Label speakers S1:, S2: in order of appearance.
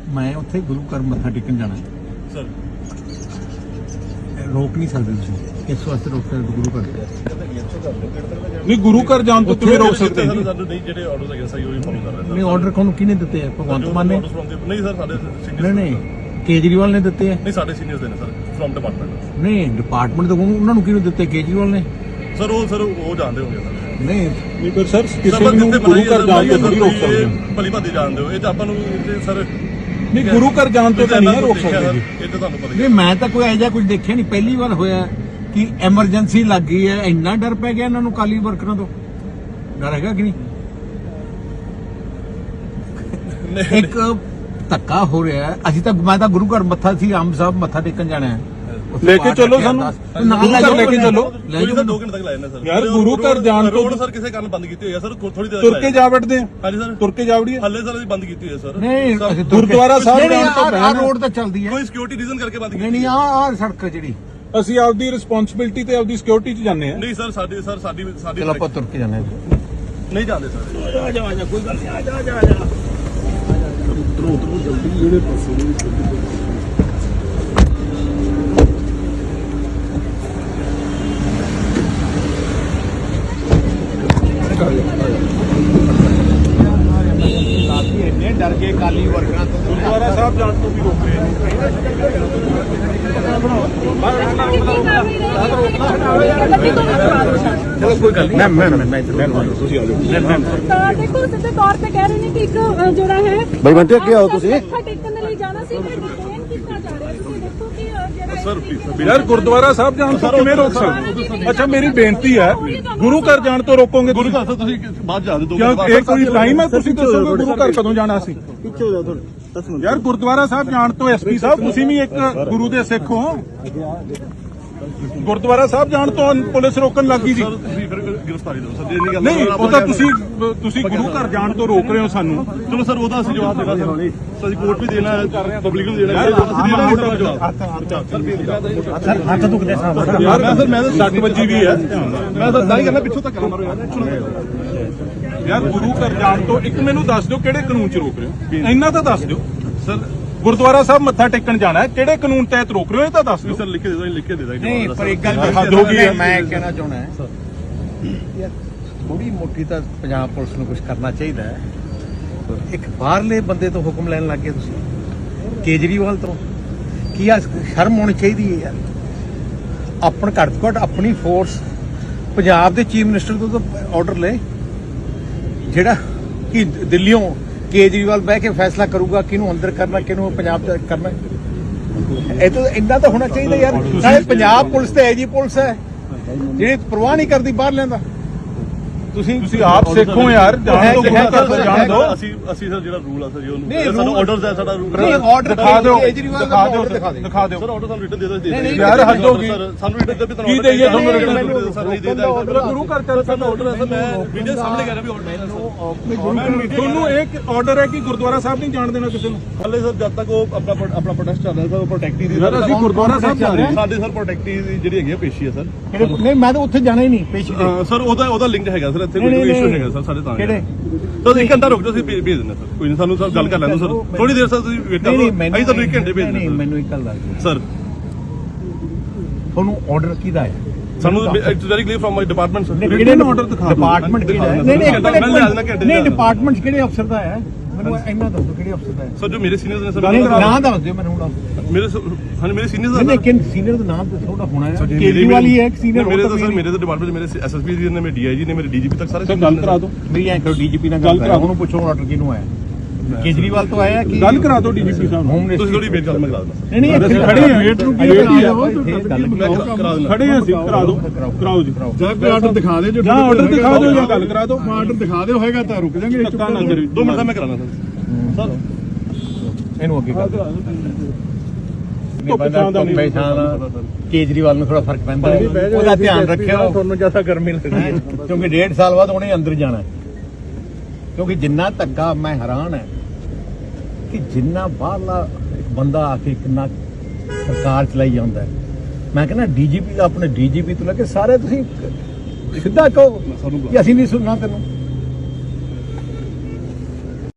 S1: मैं उत्थे गुरु घर मत्था टेकन जाना
S2: सर
S1: रोक नहीं सकते तुसीं इस वास्ते रोक सकते गुरु घर
S3: नहीं गुरु घर जान तो किवें रोक सकते हैं
S2: नहीं ਜਿਹੜੇ ਆਰਡਰਸ ਹੈਗੇ ਸਹੀ ਉਹੀ ਫੋਲੋ ਕਰ ਰਹੇ
S1: नहीं ऑर्डर कौन किने दिते हैं भगवंत मान ने
S2: ਨਹੀਂ ਸਰ ਸਾਡੇ
S1: नहीं नहीं केजरीवाल ने दिते हैं
S2: ਨਹੀਂ ਸਾਡੇ ਸੀਨੀਅਰਸ ਦੇ ਨੇ ਸਰ ਫਰਮ ਡਿਪਾਰਟਮੈਂਟ
S1: नहीं डिपार्टमेंट तो उन्होंने किने दिते केजरीवाल ने
S2: ਸਰ ਉਹ ਜਾਣਦੇ ਹੋਗੇ ਸਰ
S1: नहीं
S3: नहीं पर सर किसी ਨੂੰ ਗੁਰੂ ਘਰ ਜਾਣ ਤੋਂ ਨਹੀਂ ਰੋਕ ਸਕਦੇ
S2: ਭਲੀ ਭਾਦੀ ਜਾਣਦੇ ਹੋ ਇਹ ਤਾਂ ਆਪਾਂ ਨੂੰ ਸਰ
S3: नहीं गुरु घर जान तो नहीं रोक सकते जी
S2: ਇਹ ਤਾਂ ਤੁਹਾਨੂੰ ਪਤਾ ਹੀ
S1: नहीं मैं तो कोई ऐसा कुछ देखा नहीं पहली बार होया कि एमरजेंसी लग गई है इन्ना डर पै गया इन्होंने काली वर्करां तो डर हैगा कि नहीं एक धक्का हो रहा है अभी तक मैं तो गुरु घर मत्था सी आम साहब मत्था टेकन जाना है
S3: लेके चलो सानू गुरु घर लेके चलो
S2: ਲੈ ਜਾਓ 2 ਘੰਟੇ ਤੱਕ ਲਾਇਆ ਨਾ ਸਰ
S3: यार गुरु घर जान तो
S2: ਰੋਡ ਸਰ ਕਿਸੇ ਕਾਰਨ ਬੰਦ ਕੀਤੀ ਹੋਈ ਹੈ ਸਰ ਥੋੜੀ ਦੇਰ
S3: तुर के जा बैठते हैं
S2: ਹਾਂਜੀ ਸਰ
S3: तुर के जा वड़िए
S2: ਹੱਲੇ ਸਰ ਅਸੀਂ ਬੰਦ ਕੀਤੀ ਹੋਈ ਹੈ ਸਰ
S1: नहीं
S3: गुरुद्वारा साहब जान तो
S1: आ रोड तो चलदी है
S2: ਕੋਈ ਸਿਕਿਉਰਿਟੀ ਰੀਜ਼ਨ ਕਰਕੇ ਬੰਦ
S1: नहीं
S2: ਕੀਤੀ
S1: नहीं आ सड़क ਜਿਹੜੀ
S3: ਅਸੀਂ ਆਪਦੀ ਰਿਸਪੌਂਸਿਬਿਲਟੀ ਤੇ ਆਪਦੀ ਸਿਕਿਉਰਿਟੀ 'ਚ ਜਾਂਦੇ ਆ
S2: ਨਹੀਂ ਸਰ ਸਾਡੀ
S1: ਚਲ ਆਪਾਂ ਤੁਰ ਕੇ ਜਾਣਾ
S2: ਨਹੀਂ ਜਾਂਦੇ ਸਰ
S1: ਆ ਜਾ ਕੋਈ ਗੱਲ ਨਹੀਂ ਆ ਜਾ
S3: ਜਲਦੀ ਜਿਹੜੇ ਪਾਸੇ
S1: ਇੰਨੇ ਡਰ ਗਏ ਕਾਲੀ ਵਰਕਰਾਂ ਤੋਂ
S3: ਗੁਰਦੁਆਰਾ ਸਾਹਿਬ ਜਾਣ ਤੋਂ ਵੀ ਰੋਕ ਰਹੇ ਨੇ
S1: ਚਲੋ ਕੋਈ ਗੱਲ ਨਹੀਂ ਮੈਂ ਤੁਸੀਂ ਆ ਜਾਓ
S4: ਤਾਂ ਦੇਖੋ ਸਿੱਧੇ ਤੌਰ ਤੇ ਕਹਿ ਰਹੇ ਨੇ ਕਿ ਇੱਕ ਜਿਹੜਾ ਹੈ
S5: ਬਾਈ ਬੰਟੇ ਅੱਗੇ ਆਓ ਤੁਸੀਂ
S4: ਮੱਥਾ ਟੇਕਣ ਦੇ ਲਈ ਜਾਣਾ ਸੀ ਪਰ ਡਿਟੇਨ ਕੀਤਾ ਜਾ ਰਿਹਾ ਤੁਸੀਂ ਦੇਖੋ ਕਿ ਜਿਹੜਾ
S2: ਸਰ
S3: यार गुरुद्वारा साहब जान तो किवें रोक सकते अच्छा मेरी बेनती है गुरु घर जान तो रोकोगे
S2: ਗੁਰੂ ਘਰ ਤੋਂ ਤੁਸੀਂ ਬਾਅਦ ਜਾ ਦਿਓ
S3: क्यों ये कोई टाइम है तुसीं दसोगे गुरु घर कदों जाना सी यार गुरुद्वारा साहब जान तो एसपी साहब तुसीं भी एक गुरु दे सिख हो गुरुद्वारा साहब जान तो पुलिस रोकन लग गई जी
S2: ਸਰ ਤੁਸੀਂ ਫਿਰ ਗ੍ਰਿਫਤਾਰੀ ਦਿਓ ਸਰ ਜੇ ਨਹੀਂ ਗੱਲ
S3: नहीं वो तो तुसीं गुरु घर जान तो रोक रहे हो सानू
S2: ਚਲੋ ਸਰ ਉਹਦਾ ਅਸੀਂ ਜਵਾਬ ਦੇਣਾ ਸਰ ਅਸੀਂ ਕੋਰਟ ਵੀ ਦੇਣਾ ਹੈ ਪਬਲਿਕ ਨੂੰ ਦੇਣਾ ਹੈ ਅਸੀਂ ਦੇਣਾ ਹੈ ਜਵਾਬ
S1: ਸਰ ਹੱਥ ਦੁਖਦੇ ਸਾਹਿਬ
S3: यार मैं तो 60 बजी भी है
S2: ਮੈਂ ਤਾਂ ਦਾਈ ਕਰਨਾ ਪਿੱਛੋਂ ਤੱਕ ਮਾਰੋ ਯਾਰ
S3: यार गुरु घर जान तो एक मैनू दस दिओ किहड़े कानून च रोक रहे हो इन्ना तो दस दिओ
S2: ਸਰ
S3: गुरुद्वारा साहब मत्था टेकन जाना है किहड़े कानून तहत रोक रहे हो ये तो दस दिओ
S2: ਸਰ ਲਿਖ ਕੇ ਦੇ ਦੋ ਲਿਖ ਕੇ ਦੇ ਦਾਂਗੇ
S1: नहीं पर एक गल
S3: हद हो गई है।
S1: मैं कहना चाहना है यार थोड़ी मोटी तो पंजाब पुलिस ਨੂੰ कुछ करना चाहिए है एक बाहरले बंदे तो हुक्म लैन लग गए ਤੁਸੀਂ केजरीवाल तो ਕੀ ਆ ਸ਼ਰਮ ਹੋਣੀ ਚਾਹੀਦੀ ਹੈ ਯਾਰ ਆਪਣ ਘੱਟ ਤੋਂ ਘੱਟ ਆਪਣੀ ਫੋਰਸ ਪੰਜਾਬ ਦੇ ਚੀਫ ਮਿਨਿਸਟਰ ਤੋਂ ਤਾਂ ਆਰਡਰ ਲੈ ਜਿਹੜਾ ਕਿ ਦਿੱਲੀੋਂ केजरीवाल बह के फैसला करूगा किनू अंदर करना किनू पंजाब करना ਇਹ ਤਾਂ ਇੰਨਾ ਤਾਂ ਹੋਣਾ ਚਾਹੀਦਾ ਯਾਰ ਸਾਰੇ ਪੰਜਾਬ ਪੁਲਿਸ ਤੇ ਐਜੀ ਪੁਲਿਸ ਹੈ ਜਿਹੜੀ ਪਰਵਾਹ ਨਹੀਂ ਕਰਦੀ ਬਾਹਰ ਲੈਂਦਾ
S3: ਤੁਸੀਂ ਆਪ ਸਿੱਖੋ ਯਾਰ ਜਾਣ ਤੋਂ ਗੁਰੂ ਘਰ ਜਾਣ ਦਿਓ
S2: ਅਸੀਂ ਸਰ ਜਿਹੜਾ ਰੂਲ ਆ ਸਰ ਜੀ
S1: ਨਹੀਂ,
S2: ਉਹਨੂੰ ਸਾਨੂੰ
S1: rule-
S2: ਆਰਡਰਸ ਹੈ ਸਾਡਾ ਰੂਲ
S1: ਨਹੀਂ ਆਰਡਰ
S3: ਦਿਖਾ ਦਿਓ
S1: ਕੇਜਰੀਵਾਲ
S3: ਦਿਖਾ ਦਿਓ
S1: ਦਿਖਾ ਦਿਓ
S3: ਦਿਖਾ ਦਿਓ
S2: ਸਰ ਆਰਡਰ ਸਾਨੂੰ ਰਿਟਨ ਦੇ ਦੋ
S1: ਨਹੀਂ,
S3: ਯਾਰ ਹੱਦ ਹੋ ਗਈ
S2: ਸਾਨੂੰ ਰਿਟਨ ਦੇ ਵੀ
S3: ਕੀ ਦੇਈਏ ਤੁਹਾਨੂੰ
S2: ਰਿਟਨ
S3: ਰਿਟਨ
S2: ਸਰ ਨਹੀਂ ਦੇ ਦਾਂਗੇ
S3: ਗੁਰੂ ਘਰ ਚੱਲ
S2: ਸਾਡਾ ਆਰਡਰ ਹੈ ਸਰ ਮੈਂ ਵੀਡੀਓ ਸਾਹਮਣੇ ਕਰ ਰਿਹਾ ਵੀ ਆਰਡਰ ਹੈ
S3: ਤੁਹਾਨੂੰ ਇੱਕ ਆਰਡਰ ਹੈ ਕਿ ਗੁਰਦੁਆਰਾ ਸਾਹਿਬ ਨਹੀਂ ਜਾਣ ਦੇਣਾ ਕਿਸੇ ਨੂੰ
S2: ਹਲੇ ਸਰ ਜਦ ਤੱਕ ਉਹ ਆਪਣਾ ਪ੍ਰੋਟੈਸਟ ਚੱਲ ਰਿਹਾ ਸਰ ਉਹ ਪ੍ਰੋਟੈਕਟੀ ਦੀ
S3: ਯਾਰ ਅਸੀਂ ਗੁਰਦੁਆਰਾ ਸਾਹਿਬ ਜਾ ਰਹੇ ਹਾਂ
S2: ਸਾਡੇ ਸਰ ਪ੍ਰੋਟੈਕਟੀ ਦੀ ਜਿਹੜੀ ਹੈਗੀ ਆ ਪੇਸ਼ੀ ਹੈ ਸਰ
S1: ਨਹੀਂ ਮੈਂ ਤਾਂ ਉੱਥੇ ਜਾਣਾ ਹੀ ਨਹੀਂ ਪੇਸ਼ੀ ਤੇ
S2: ਸਰ ਉਹਦਾ ਲਿੰਕ ਹੈਗਾ ਸਰ ਇੱਥੇ
S1: ਨਹੀਂ,
S2: ਕੋਈ
S1: ਨਹੀਂ,
S2: ਇਸ਼ੂ ਹੈਗਾ ਸਰ ਸਾਡੇ ਤਾਂ
S1: ਕਿਹੜੇ?
S2: ਸਰ 1 ਘੰਟਾ ਰੁਕ ਜਾਓ ਅਸੀਂ ਭੇਜ ਦਿੰਦੇ ਸਰ ਕੋਈ ਨਹੀਂ ਸਾਨੂੰ ਸਰ ਗੱਲ ਕਰ ਲੈਂਦੇ ਸਰ ਥੋੜੀ ਦੇਰ ਸਰ ਤੁਸੀਂ ਵੇਟ ਕਰੋ ਅਸੀਂ ਤੁਹਾਨੂੰ 1 ਘੰਟੇ ਭੇਜ
S1: ਨਹੀਂ
S2: ਦਿੰਦੇ
S1: ਮੈਨੂੰ ਇੱਕ ਗੱਲ ਦੱਸ
S2: ਸਰ
S1: ਤੁਹਾਨੂੰ ਆਰਡਰ ਕਿਹਦਾ ਹੈ
S2: ਸਾਨੂੰ it's very clear from my department sir
S3: ਕਿਹੜੇ ਨੂੰ order ਦਿਖਾ ਦਿਓ?
S1: ਡਿਪਾਰਟਮੈਂਟ ਕਿਹੜਾ ਹੈ
S2: ਨਹੀਂ, ਨਹੀਂ, ਮੈਂ ਲੈ ਲੈਣਾ ਘੰਟੇ
S1: ਨਹੀਂ
S2: ਦਾ।
S1: ਡਿਪਾਰਟਮੈਂਟ ਕਿਹੜੇ ਅਫਸਰ ਦਾ ਹੈ ਮੈਨੂੰ ਇੰਨਾ ਦੱਸੋ ਕਿਹੜੇ ਅਫਸਰ ਦਾ ਹੈ
S2: ਸਰ ਜੋ ਮੇਰੇ ਸੀਨੀਅਰਸ ਨੇ ਸਰ
S1: ਨਹੀਂ, ਨਾਂ ਦੱਸ ਦਿਓ ਮੈਨੂੰ ਹੁਣ
S2: ਮੇਰੇ ਹਾਂਜੀ ਮੇਰੇ ਸੀਨੀਅਰਸ
S1: ਨਹੀਂ ਨਹੀਂ ਕਿਨ ਸੀਨੀਅਰ ਦਾ ਨਾਮ ਤਾਂ ਥੋੜਾ ਹੋਣਾ ਹੈ ਕੇਜਰੀਵਾਲ ਹੀ ਹੈ ਇੱਕ ਸੀਨੀਅਰ
S2: ਮੇਰੇ ਤਾਂ ਸਰ ਮੇਰੇ ਤਾਂ ਡਿਪਾਰਟਮੈਂਟ ਮੇਰੇ ਐਸਐਸਪੀ ਜੀ ਨੇ ਮੇਰੇ ਡੀਆਈਜੀ ਨੇ ਮੇਰੇ ਡੀਜੀਪੀ ਤੱਕ ਸਾਰੇ
S3: ਸਰ ਗੱਲ ਕਰਾ ਦਿਓ
S1: ਮੇਰੀ ਐਂ ਕਰੋ ਡੀਜੀਪੀ ਨਾਲ ਗੱਲ ਕਰਾਓ ਉਹਨੂੰ ਪੁੱਛੋ ਆਰਡਰ ਕਿਹਨੂੰ ਆਇਆ ਕੇਜਰੀਵਾਲ ਤੋਂ ਆਇਆ ਕਿ
S3: ਗੱਲ ਕਰਾ ਦਿਓ ਡੀਜੀਪੀ ਸਾਹਿਬ ਨੂੰ
S1: ਹੋਮ
S2: ਤੁਸੀਂ
S1: ਮਿਨਿਸਟਰ
S2: ਥੋੜੀ ਵੇਟ ਕਰ ਮੈਂ ਕਰਾ ਦਿੰਦਾ
S1: ਨਹੀਂ ਨਹੀਂ
S3: ਅਸੀਂ ਖੜੇ ਹਾਂ ਵੇਟ ਨੂੰ ਕੀ
S1: ਵੇਟ
S3: ਕਰਾ
S1: ਦਿਓ,
S3: ਦਿਓ
S2: ਕਰਾ ਦਿੰਦਾ
S3: ਖੜੇ ਹਾਂ ਅਸੀਂ ਕਰਾ ਦਿਓ ਕਰਾਓ ਜੀ
S5: ਜਾਂ ਕੋਈ ਆਰਡਰ ਦਿਖਾ ਦੇ ਜੋ
S3: ਜਾਂ ਆਰਡਰ ਦਿਖਾ ਦਿਓ ਜਾਂ ਗੱਲ ਕਰਾ ਦਿਓ
S5: ਆਰਡਰ ਦਿਖਾ ਦਿਓ ਹੋਏਗਾ ਤਾਂ ਰੁਕ ਜਾਾਂਗੇ
S3: ਧੱਕਾ ਨਾ ਕਰਿਓ
S2: 2 ਮਿੰਟ ਦਾ ਮੈਂ ਕਰਾਣਾ ਸਰ
S1: ਇਹਨੂੰ ਅੱਗੇ ਕਰ
S3: ਧੁੱਪ
S1: ਕੇਜਰੀਵਾਲ ਨੂੰ ਥੋੜਾ ਫਰਕ ਪੈਂਦਾ ਹੈ ਉਹਦਾ ਧਿਆਨ ਰੱਖਿਓ
S5: ਤੁਹਾਨੂੰ ਜਿਆਦਾ ਗਰਮੀ ਲੱਗਦੀ ਹੈ
S1: ਕਿਉਂਕਿ 1.5 ਸਾਲ ਬਾਅਦ ਉਹਨੇ ਅੰਦਰ ਜਾਣਾ ਹੈ ਕਿਉਂਕਿ ਜਿੰਨਾ ਧੱਕਾ ਮੈਂ ਹੈਰਾਨ ਹੈ ਕਿ ਜਿੰਨਾ ਬਾਹਰਲਾ ਬੰਦਾ ਆ ਕੇ ਕਿੰਨਾ ਸਰਕਾਰ ਚਲਾਈ ਜਾਂਦਾ ਹੈ ਮੈਂ ਕਹਿੰਦਾ ਡੀਜੀਪੀ ਦਾ ਆਪਣੇ ਡੀਜੀਪੀ ਤੋਂ ਲੈ ਕੇ ਸਾਰੇ ਤੁਸੀਂ ਸਿੱਧਾ ਕਹੋ ਕਿ ਅਸੀਂ ਨਹੀਂ ਸੁਣਨਾ ਤੈਨੂੰ